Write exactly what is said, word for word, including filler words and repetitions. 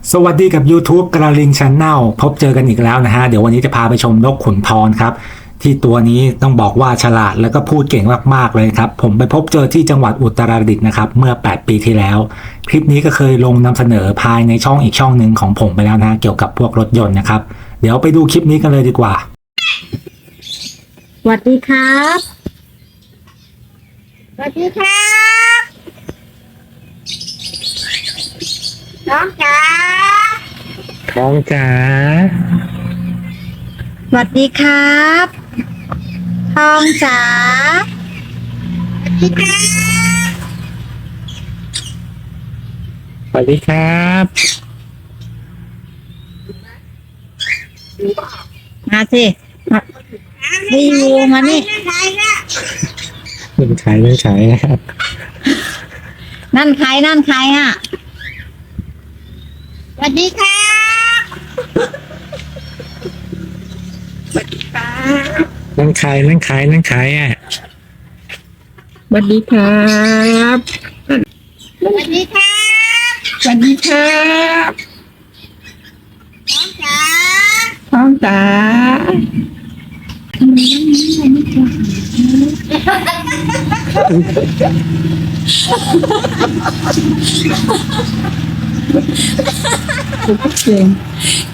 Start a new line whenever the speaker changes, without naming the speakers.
สวัสดีกับ YouTube กระลิง Channel พบเจอกันอีกแล้วนะฮะเดี๋ยววันนี้จะพาไปชมนกขุนทองครับที่ตัวนี้ต้องบอกว่าฉลาดแล้วก็พูดเก่งมากๆเลยครับผมไปพบเจอที่จังหวัดอุตรดิตถ์นะครับเมื่อแปดปีที่แล้วคลิปนี้ก็เคยลงนำเสนอภายในช่องอีกช่องหนึ่งของผมไปแล้วนะเกี่ยวกับพวกรถยนต์นะครับเดี๋ยวไปดูคลิปนี้กันเลยดีกว่า
สวัสดีครับสวัสดีครับน้องจ๋า
ท้องจ๋า
สวัสดีครับทองจ๋าสวัสดีครับ
สวัสดีครับ
มาสิมารีวิวมานี่
เรื่องขายเรื่องขายนะครับ
นั่นใครนั่นใครอ่ะสวัสดีครับ
นั่งขายนั่งขายนั่งขายอ่ะ
สวัสดีครับ
สวัสดีครับ
สวัสดีครับ
น้องจ๋า
ท้องจ๋าเก่ง